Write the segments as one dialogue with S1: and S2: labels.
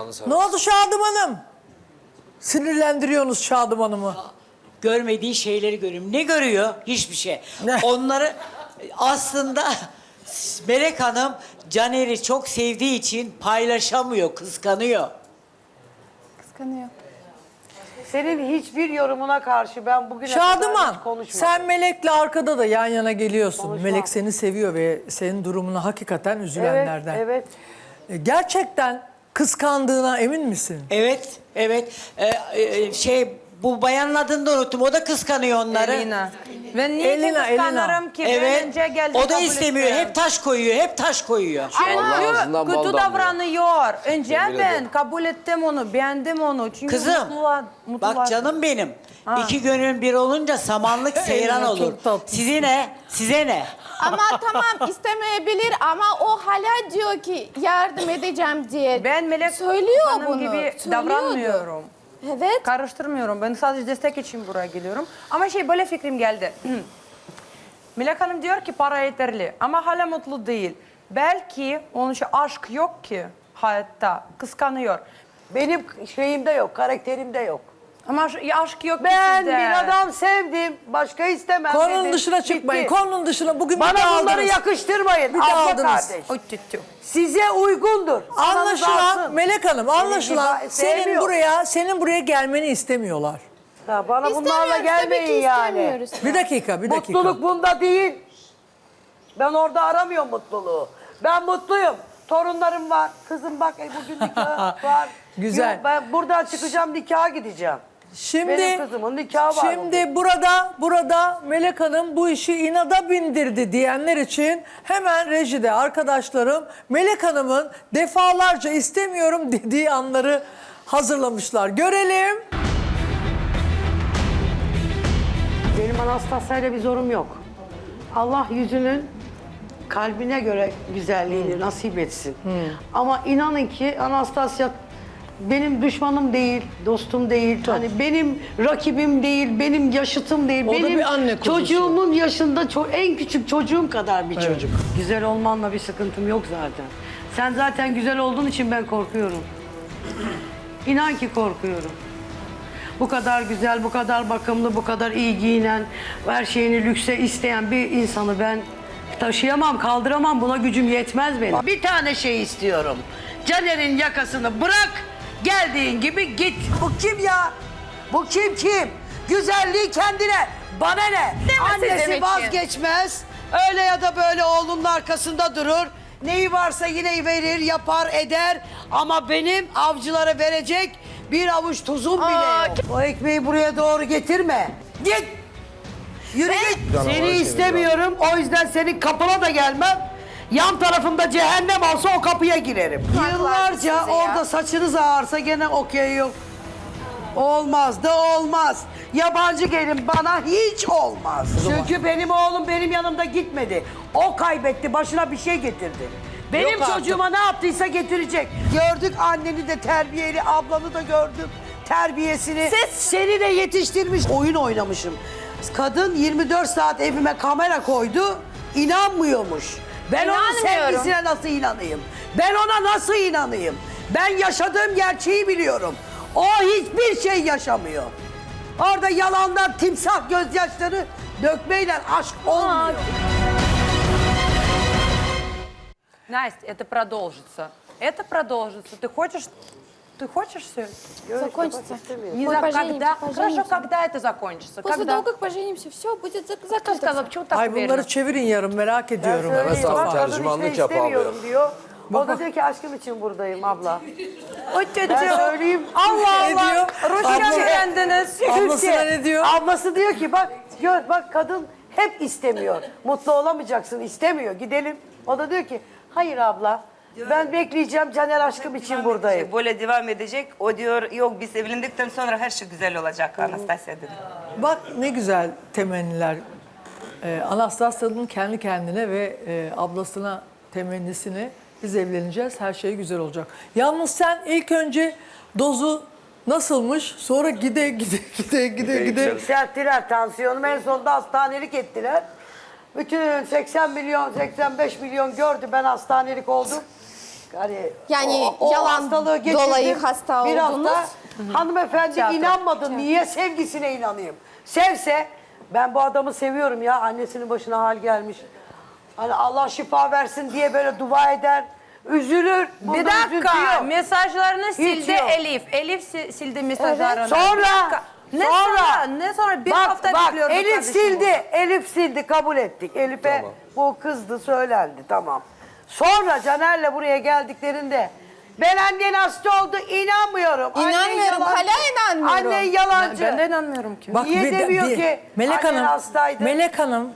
S1: Allah'ını seversen.
S2: Ne oldu Şadım Hanım? Sinirlendiriyorsunuz Şadım Hanım'ı.
S3: Görmediği şeyleri görüyorum. Ne görüyor? Hiçbir şey.
S2: Ne?
S3: Onları aslında Melek Hanım Caner'i çok sevdiği için paylaşamıyor, kıskanıyor.
S4: Kıskanıyor.
S5: Senin hiçbir yorumuna karşı ben bugüne
S2: Şadıman,
S5: kadar hiç konuşmadım.
S2: sen Melek'le arkada da yan yana geliyorsun.
S5: Konuşmam.
S2: Melek seni seviyor ve senin durumuna hakikaten üzülenlerden.
S5: Evet, evet.
S2: Gerçekten kıskandığına emin misin?
S3: Evet, evet. Bu bayanın adını da unuttum. O da kıskanıyor onları.
S6: Elina. Ben niye
S2: Elina,
S6: kıskanırım ki? Ben
S3: Evet.
S6: önce geldim.
S3: O da
S6: kabul
S3: istemiyor.
S6: ettim.
S3: Hep taş koyuyor, hep taş koyuyor.
S1: Allah ağzından
S6: Çünkü
S1: bal
S6: kötü
S1: damlıyor.
S6: davranıyor. Önce
S1: Yemin
S6: ben
S1: ederim.
S6: kabul ettim onu, beğendim onu. Çünkü
S3: Kızım, bak canım benim. İki gönül bir olunca samanlık seyran
S2: Elina,
S3: olur.
S2: çok tatlısın.
S3: Size ne? Size ne?
S4: Ama tamam istemeyebilir ama o hala diyor ki yardım edeceğim diye.
S6: Ben Melek
S4: söylüyor
S6: Hanım
S4: bunu.
S6: gibi
S4: Söylüyordu.
S6: davranmıyorum.
S4: Evet.
S6: Karıştırmıyorum. Ben sadece destek için buraya geliyorum. Ama böyle fikrim geldi. Melek Hanım diyor ki para yeterli ama hala mutlu değil. Belki onun için aşk yok ki hayatta. Kıskanıyor.
S5: Benim şeyimde yok, karakterimde yok.
S6: Ama aşk yok ki
S5: Ben
S6: sizde.
S5: bir adam sevdim, başka istemem
S2: Konunun
S5: dedim.
S2: dışına çıkmayın.
S5: Bitti.
S2: Konunun dışına bugün bir de
S5: Bana bunları
S2: aldınız.
S5: yakıştırmayın.
S2: Bir de
S5: Abla
S2: aldınız.
S5: kardeş.
S6: Oy, tütü.
S5: Size uygundur. Ananız
S2: Anlaşılan
S5: alsın.
S2: Melek Hanım, anlaşılan
S5: gibi
S2: senin
S5: sevmiyor.
S2: buraya gelmeni istemiyorlar.
S5: Ya bana bunlarla
S4: İstemiyoruz, tabii ki
S5: gelmeyin yani.
S4: istemiyoruz.
S2: Bir dakika.
S5: Mutluluk bunda değil. Ben orada aramıyorum mutluluğu. Ben mutluyum. Torunlarım var. Kızım bak bugün nikah var.
S2: Güzel.
S5: Yok, ben buradan çıkacağım, nikaha gideceğim. Benim kızımın nikahı var
S2: Şimdi burada Melek Hanım bu işi inada bindirdi diyenler için hemen rejide arkadaşlarım Melek Hanım'ın defalarca istemiyorum dediği anları hazırlamışlar. Görelim.
S5: Benim Anastasya'yla bir zorum yok. Allah yüzünün kalbine göre güzelliğini nasip etsin. Ama inanın ki Anastasya benim düşmanım değil, dostum değil. Hani benim rakibim değil, benim yaşıtım değil.
S2: O da
S5: benim
S2: bir anne kuzusu.
S5: çocuğumun yaşında en küçük çocuğum kadar bir çocuk. Güzel olmanla bir sıkıntım yok zaten. Sen zaten güzel olduğun için ben korkuyorum. İnan ki korkuyorum. Bu kadar güzel, bu kadar bakımlı, bu kadar iyi giyinen, her şeyini lükse isteyen bir insanı ben taşıyamam, kaldıramam. Buna gücüm yetmez benim. Bir tane şey istiyorum. Caner'in yakasını bırak, geldiğin gibi git. Bu kim ya? Bu kim? Güzelliği kendine, bana ne? Annesi vazgeçmez. Öyle ya da böyle oğlunun arkasında durur. Neyi varsa yine verir, yapar, eder. Ama benim avcılara verecek bir avuç tuzum bile yok. O ekmeği buraya doğru getirme. Git. Yürü git. Seni istemiyorum. O yüzden senin kapına da gelmem. Yan tarafımda cehennem olsa o kapıya girerim. Yıllarca
S4: size ya.
S5: orada saçınız ağarsa gene okey yok. Olmaz da olmaz. Yabancı gelin bana hiç olmaz. Çünkü benim oğlum benim yanımda gitmedi. O kaybetti, başına bir şey getirdi. Benim
S2: Yok artık.
S5: çocuğuma ne yaptıysa getirecek. Gördük anneni de terbiyeli, ablanı da gördüm. Terbiyesini. Seni de yetiştirmiş. Oyun oynamışım. Kadın 24 saat evime kamera koydu. İnanmıyormuş. Ben onun
S4: İnanmıyorum.
S5: sevgisine nasıl inanayım? Ben ona nasıl inanayım? Ben yaşadığım gerçeği biliyorum. O hiçbir şey yaşamıyor. Orada yalandan timsah gözyaşları dökmeyle aşk olmuyor.
S6: Настя, это продолжится. Это продолжится. Ты хочешь все?
S4: Закончится.
S6: Не
S4: Мы
S6: знаю,
S4: поженимся,
S6: когда. Хорошо, когда это закончится?
S4: После
S6: Когда?
S4: того, как поженимся, все будет
S6: Кто
S4: закрыто.
S6: сказал, почему так
S2: Ay
S6: уверена?
S2: bunları çevirin yarın merak ediyorum.
S5: Söyleyeyim,
S1: Evet,
S5: bak,
S1: abi,
S5: kadın
S1: tercümanlık
S5: işte
S1: yap abi.
S5: istemiyorum diyor. O
S2: Bak,
S5: da
S2: bak.
S5: diyor ki aşkım için buradayım abla.
S6: O
S5: Ben
S6: çocuğu.
S5: söyleyeyim.
S6: Allah
S2: Ne
S6: Allah.
S2: diyor?
S6: Rusça
S2: Abla-
S6: öğrendiniz.
S2: Ablasına ne diyor?
S5: Ablası diyor ki bak gör bak kadın hep istemiyor. Mutlu olamayacaksın istemiyor gidelim. O da diyor ki hayır abla ben bekleyeceğim Caner aşkım için buradayım.
S7: Böyle devam edecek. O diyor yok biz evlendikten sonra her şey güzel olacak Anastasya dedi.
S2: Bak ne güzel temenniler. Anastasya'nın kendi kendine ve ablasına temennisini biz evleneceğiz, her şey güzel olacak. Yalnız sen ilk önce dozu nasılmış, sonra gide.
S5: Yükselttiler tansiyonumu en sonunda hastanelik ettiler. Bütün 80 milyon 85 milyon gördü ben hastanelik oldum. Hani
S4: Yani
S5: o
S4: yalan
S5: hastalığı geçirdim.
S4: dolayı hasta
S5: bir
S4: oldunuz.
S5: hafta hanımefendi inanmadı. Niye sevgisine inanayım? Sevse ben bu adamı seviyorum ya. Annesinin başına hal gelmiş. Hani Allah şifa versin diye böyle dua eder. Üzülür.
S6: Bir
S5: Bunda
S6: dakika.
S5: üzüntü yok.
S6: Mesajlarını sildi
S5: yok.
S6: Elif. Elif sildi mesajlarını.
S5: Sonra,
S6: Bir dakika. Ne sonra? Ne sonra? Bir hafta bekliyorduk
S5: Elif
S6: kardeşim
S5: sildi.
S6: burada.
S5: Elif sildi. Kabul ettik. Elif'e
S1: Tamam.
S5: bu kızdı söylendi. Tamam. Sonra Caner'le buraya geldiklerinde ben annen hasta oldu inanmıyorum. Annen
S4: İnanmıyorum,
S5: yalancı.
S4: hala inanmıyorum.
S5: Annen yalancı.
S6: Ben de inanmıyorum ki.
S2: Bak
S5: Niye demiyor ki
S2: Melek
S5: annen
S2: Hanım,
S5: hastaydı?
S2: Melek Hanım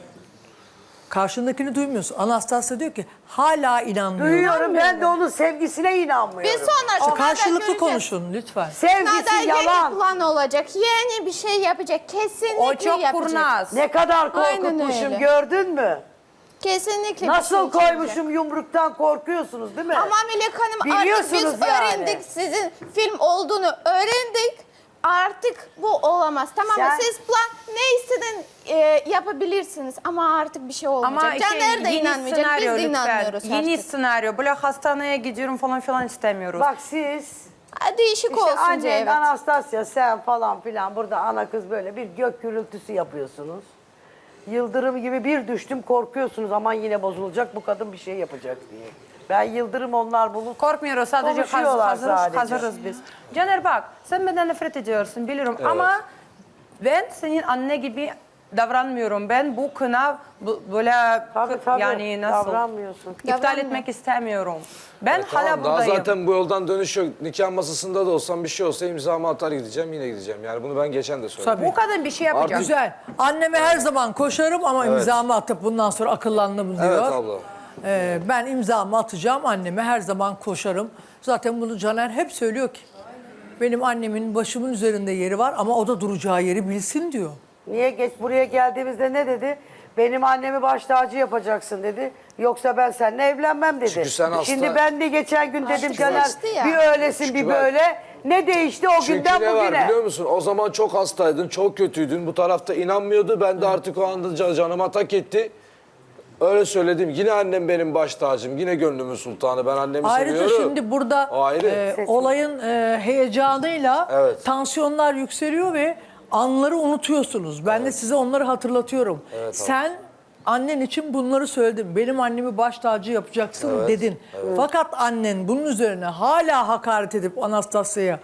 S2: karşındakini duymuyorsun. Anastasya diyor ki hala inanmıyorum.
S5: Duyuyorum ben de onun sevgisine inanmıyorum.
S4: Bir sonra
S2: İşte
S4: sonra
S2: karşılıklı
S4: göreceğiz.
S2: konuşun lütfen.
S5: Sevgisi
S4: Nada yeni
S5: yalan.
S4: plan olacak. Yeni bir şey yapacak. Kesinlikle
S6: O çok
S4: yapacak.
S6: kurnaz.
S5: Ne kadar
S4: Aynen
S5: korkutmuşum
S4: öyle.
S5: gördün mü?
S4: Kesinlikle
S5: Nasıl
S4: bir şey
S5: koymuşum yumruktan korkuyorsunuz değil mi?
S4: Ama Melek Hanım artık
S5: Biliyorsunuz
S4: biz
S5: yani.
S4: öğrendik. Sizin film olduğunu öğrendik. Artık bu olamaz. Tamam mı?
S5: Sen-
S4: Siz plan ne istedin yapabilirsiniz. Ama artık bir şey olmayacak.
S6: Ama
S4: Caner de
S6: yeni
S4: inanmayacak. Biz
S6: senaryo
S4: de
S6: lütfen.
S4: inanmıyoruz
S6: Yeni
S4: artık.
S6: senaryo. Böyle hastaneye gidiyorum falan filan istemiyoruz.
S5: Bak siz
S4: Değişik
S5: işte
S4: olsun
S5: annen,
S4: diye evet.
S5: Anastasya sen falan filan burada ana kız böyle bir gök gürültüsü yapıyorsunuz. Yıldırım gibi bir düştüm korkuyorsunuz aman yine bozulacak bu kadın bir şey yapacak diye. Ben yıldırım onlar bulut.
S6: Korkmuyoruz sadece
S5: Konuşuyorlar
S6: hazırız,
S5: sadece.
S6: hazırız biz. Caner bak sen benden nefret ediyorsun biliyorum ama ben senin anne gibi davranmıyorum. Ben bu kına böyle
S5: Tabii,
S6: yani nasıl
S5: davranmıyorsun.
S6: iptal
S4: Davranmıyor.
S6: etmek istemiyorum. Ben hala
S1: Tamam, daha
S6: buradayım.
S1: zaten bu yoldan dönüş yok. Nikah masasında da olsam bir şey olsa imzamı atar gideceğim yine gideceğim. Yani bunu ben geçen de söyledim.
S2: Tabii.
S6: Bu kadın bir şey yapacak.
S2: Güzel. Anneme her zaman koşarım ama imzamı atıp bundan sonra akıllandım diyor.
S1: Evet abla.
S2: Ben imzamı atacağım anneme her zaman koşarım. Zaten bunu Caner hep söylüyor ki. Benim annemin başımın üzerinde yeri var ama o da duracağı yeri bilsin diyor.
S5: Niye geç buraya geldiğimizde ne dedi? Benim annemi baş tacı yapacaksın dedi. Yoksa ben seninle evlenmem dedi.
S1: Çünkü sen hasta-
S5: Şimdi ben de geçen gün dedim
S4: Çünkü
S5: Caner
S4: değişti ya.
S5: bir öylesin
S1: Çünkü
S5: bir
S1: bak-
S5: böyle. Ne değişti o
S1: Çünkü
S5: günden
S1: ne var
S5: bugüne?
S1: biliyor musun? O zaman çok hastaydın, çok kötüydün. Bu tarafta inanmıyordu. Ben de artık o anda canıma tak etti. Öyle söyledim. Yine annem benim baş tacım. Yine gönlümün sultanı. Ben annemi
S2: Ayrıca
S1: seviyorum.
S2: şimdi burada
S1: O ayrı.
S2: olayın heyecanıyla
S1: Evet.
S2: tansiyonlar yükseliyor ve anları unutuyorsunuz. Ben de size onları hatırlatıyorum. Sen annen için bunları söyledin. Benim annemi baş tacı yapacaksın dedin. Fakat annen bunun üzerine hala hakaret edip Anastasya'ya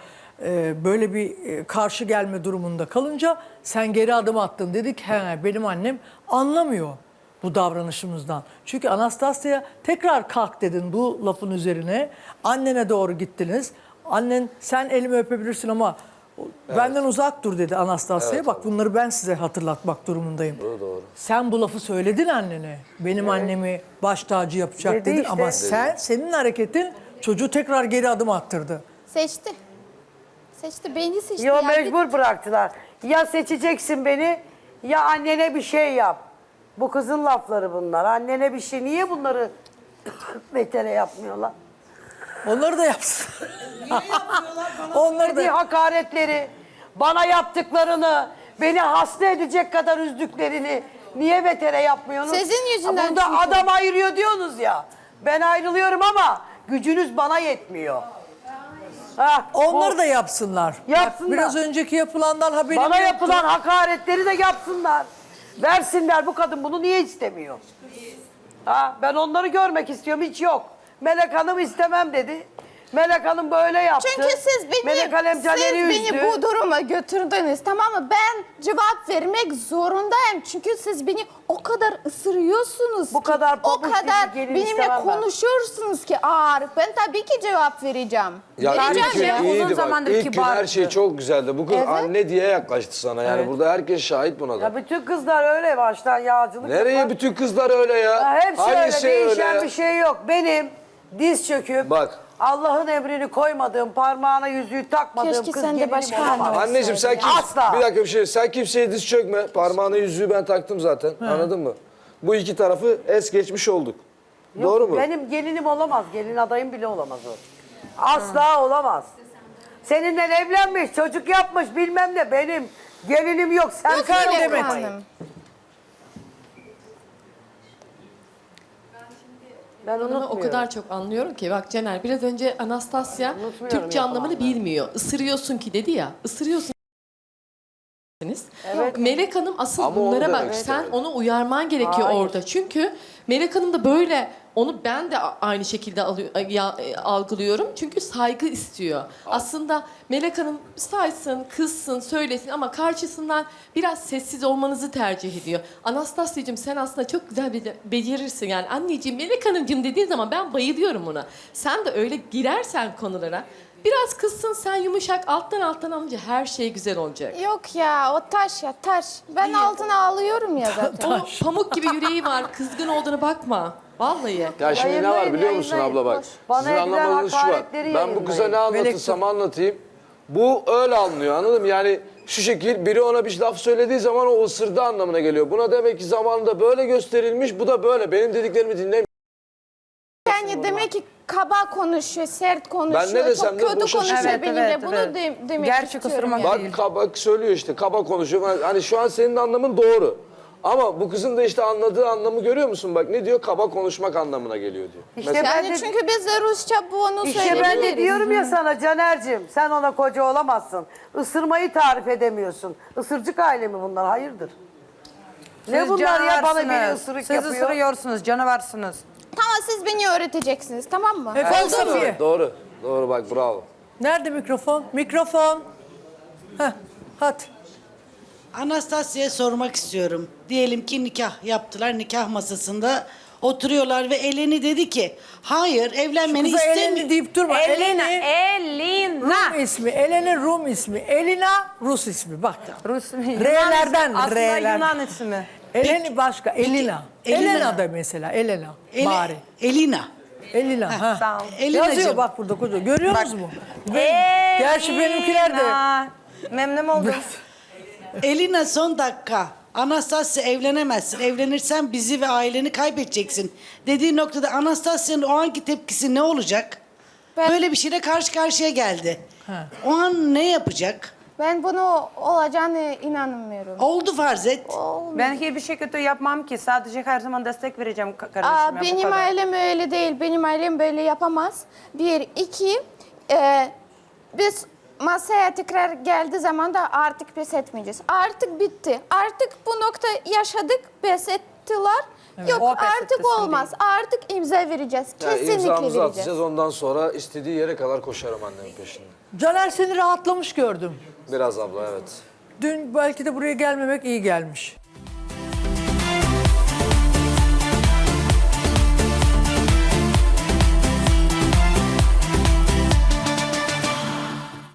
S2: böyle bir karşı gelme durumunda kalınca sen geri adım attın. Dedik he benim annem anlamıyor bu davranışımızdan. Çünkü Anastasya'ya tekrar kalk dedin bu lafın üzerine. Annene doğru gittiniz. Annen sen elimi öpebilirsin ama benden uzak dur dedi Anastasya'ya. Bak bunları ben size hatırlatmak durumundayım.
S1: Doğru.
S2: Sen bu lafı söyledin annene. Benim annemi baş tacı yapacak
S5: Dedi
S2: dedin
S5: işte.
S2: ama senin hareketin çocuğu tekrar geri adım attırdı.
S4: Seçti. Seçti. Beni seçti.
S5: Yo
S4: ya.
S5: mecbur bıraktılar. Ya seçeceksin beni ya annene bir şey yap. Bu kızın lafları bunlar. Annene bir şey. Niye bunları betere yapmıyorlar?
S2: Onları da yapsın. Onları da
S5: Dediği hakaretleri, bana yaptıklarını, beni hasta edecek kadar üzdüklerini niye betere yapmıyorsunuz?
S4: Sizin yüzünden
S5: Burada
S4: çünkü.
S5: adam ayırıyor diyorsunuz ya. Ben ayrılıyorum ama gücünüz bana yetmiyor. Ha,
S2: onları
S5: bu-
S2: da yapsınlar.
S5: Yapsınlar.
S2: Bak, biraz önceki yapılandan haberim
S5: Bana
S2: yoktu.
S5: yapılan hakaretleri de yapsınlar. Versinler, bu kadın bunu niye istemiyor? Ha, ben onları görmek istiyorum, hiç yok. Melek Hanım istemem dedi. Melek Hanım böyle yaptı.
S4: Çünkü siz
S5: Melek Hanım Caner'i
S4: siz
S5: üzdü.
S4: beni bu duruma götürdünüz, tamam mı? Ben cevap vermek zorundayım. Çünkü siz beni o kadar ısırıyorsunuz
S5: Bu
S4: ki,
S5: kadar
S4: o
S5: pabuç gibi
S4: kadar
S5: gelin
S4: benimle
S5: istemem ben.
S4: konuşuyorsunuz ki ağır. Ben tabii ki cevap vereceğim.
S1: Ya
S4: Vereceğim
S1: ilk gün
S4: ya.
S6: uzun
S1: iyiydi bak.
S6: zamandır
S1: İlk gün her
S6: kibardı.
S1: şey çok güzeldi. Bu kız
S4: Evet.
S1: anne diye yaklaştı sana. Yani burada herkes şahit buna da.
S5: Ya bütün kızlar öyle baştan yağcılık
S1: Nereye
S5: yapar.
S1: bütün kızlar öyle ya?
S5: Ya hepsi
S1: Hangisi
S5: öyle, değişen
S1: öyle?
S5: bir şey yok. Benim diz çöküp
S1: Bak.
S5: Allah'ın emrini koymadığım, parmağına yüzüğü takmadığım
S4: Keşke
S5: kız
S4: sen de
S5: gelinim
S4: başka
S5: olamaz.
S4: anne
S1: Anneciğim sen
S5: Asla.
S1: bir dakika bir şey. Sen kimseye diz çökme. Parmağına yüzüğü ben taktım zaten. Anladın mı? Bu iki tarafı es geçmiş olduk.
S5: Yok,
S1: Doğru mu?
S5: Benim gelinim olamaz. Gelin adayım bile olamaz o. Asla olamaz. Seninle evlenmiş, çocuk yapmış bilmem ne. Benim gelinim yok. Sen
S4: Yok
S5: kal
S4: Melek
S5: demek.
S4: Hanım.
S5: Ben
S8: Hanım'ı
S5: unutmuyorum.
S8: o kadar çok anlıyorum ki. Bak Caner biraz önce Anastasya
S5: Unutmuyorum
S8: Türkçe anlamını
S5: yapılanları.
S8: bilmiyor. Isırıyorsun ki dedi ya. Isırıyorsun.
S5: Evet.
S8: Melek Hanım asıl
S1: Ama onu
S8: bunlara
S1: demek
S8: bak. Sen
S1: istemedim.
S8: onu uyarman gerekiyor
S5: Hayır.
S8: orada. Çünkü Melek Hanım da böyle onu ben de aynı şekilde algılıyorum. Çünkü saygı istiyor. Aslında Melek Hanım saysın, kızsın, söylesin ama karşısından biraz sessiz olmanızı tercih ediyor. Anastasya'cığım sen aslında çok güzel becerirsin. Yani anneciğim, Melek Hanımcığım dediğin zaman ben bayılıyorum ona. Sen de öyle girersen konulara biraz kızsın, sen yumuşak alttan alınca her şey güzel olacak.
S4: Yok ya o taş ya taş. Ben altına alıyorum ya zaten.
S8: O pamuk gibi yüreği var. Kızgın olduğuna bakma. Vallahi.
S1: Ya şimdi ne var
S5: Yayınlayın,
S1: biliyor musun
S5: yayınlayın.
S1: abla bak.
S5: Boş. Bana
S1: Sizin
S5: edilen
S1: anlamadığınız şu var.
S5: hakaretleri
S1: Ben bu kıza ne
S5: yayınlayın.
S1: anlatırsam anlatayım. Bu öyle anlıyor anladın mı? Yani şu şekil biri ona bir laf söylediği zaman o ısırdığı anlamına geliyor. Buna demek ki zamanında böyle gösterilmiş, bu da böyle. Benim dediklerimi dinlemiyor.
S4: Yani demek ki kaba konuşuyor, sert konuşuyor,
S1: Ben ne desem
S4: çok
S1: de
S4: kötü
S1: boşa
S4: konuşuyor
S1: çıkıyor.
S4: benimle.
S6: Evet,
S4: Bunu
S6: evet.
S4: demek
S6: Gerçek
S4: istiyorum.
S6: ısırmak
S4: yani.
S6: değil.
S1: Bak kaba söylüyor işte, kaba konuşuyor. Hani şu an senin anlamın doğru. Ama bu kızın da işte anladığı anlamı görüyor musun? Bak ne diyor? Kaba konuşmak anlamına geliyor diyor.
S5: İşte
S1: Mesela-
S5: ben
S4: Yani
S5: de,
S4: çünkü biz de Rusça bunu
S5: işte ben de
S4: söyleyebiliriz.
S5: diyorum ya sana Caner'cim sen ona koca olamazsın. Isırmayı tarif edemiyorsun. Isırcık aile mi bunlar? Hayırdır? Ne
S6: Siz
S5: bunlar ya bana biri
S6: canavarsınız.
S5: ısırık
S6: Siz
S5: yapıyor.
S6: ısırıyorsunuz, canavarsınız.
S4: Tamam siz beni öğreteceksiniz tamam mı?
S2: Efendim
S1: Doğru,
S2: Safiye.
S1: doğru. Doğru bak bravo.
S2: Nerede mikrofon? Mikrofon. Heh, hadi.
S9: Anastasya'ya sormak istiyorum. Diyelim ki nikah yaptılar, nikah masasında oturuyorlar ve Eleni dedi ki hayır evlenmeni
S2: Kıza Eleni
S9: istemiyorum.
S2: deyip durma.
S6: Elena,
S2: Eleni Rum ismi. Eleni Rum ismi. Elina Rus ismi. Bak.
S6: Rus
S2: R'lerden,
S6: aslında
S2: R'lerden.
S6: Yunan ismi.
S2: Eleni başka. Elina.
S9: Elina.
S2: Elena da mesela. Elena. Bari.
S9: Elina.
S2: Elina. Ha.
S6: Sağ ol.
S9: Elinacığım.
S2: Yazıyor bak burada koca. Görüyor
S6: Bak.
S2: musunuz mu? Gerçi benimkiler de.
S6: Elena. Memnun oldum.
S9: Elina son dakika. Anastasya evlenemezsin. Evlenirsen bizi ve aileni kaybedeceksin. Dediği noktada Anastasya'nın o anki tepkisi ne olacak?
S4: Ben-
S9: Böyle bir şeyle karşı karşıya geldi. O an ne yapacak?
S4: Ben bunu olacağını inanmıyorum.
S9: Oldu farz et.
S6: Ben hiçbir şey kötü yapmam ki. Sadece her zaman destek vereceğim kardeşime. bu
S4: Benim
S6: kadar.
S4: ailem öyle değil. Benim ailem böyle yapamaz. Bir, iki, biz masaya tekrar geldiği zaman da artık pes etmeyeceğiz. Artık bitti. Artık bu nokta yaşadık, pes ettiler. Yok
S6: O pes
S4: artık
S6: etti, sen
S4: olmaz. Artık imza vereceğiz.
S1: Yani
S4: Kesinlikle
S1: imzamızı
S4: vereceğiz.
S1: atacağız ondan sonra istediği yere kadar koşarım annemin peşinden.
S2: Caner seni rahatlamış gördüm.
S1: Biraz abla evet.
S2: Dün belki de buraya gelmemek iyi gelmiş.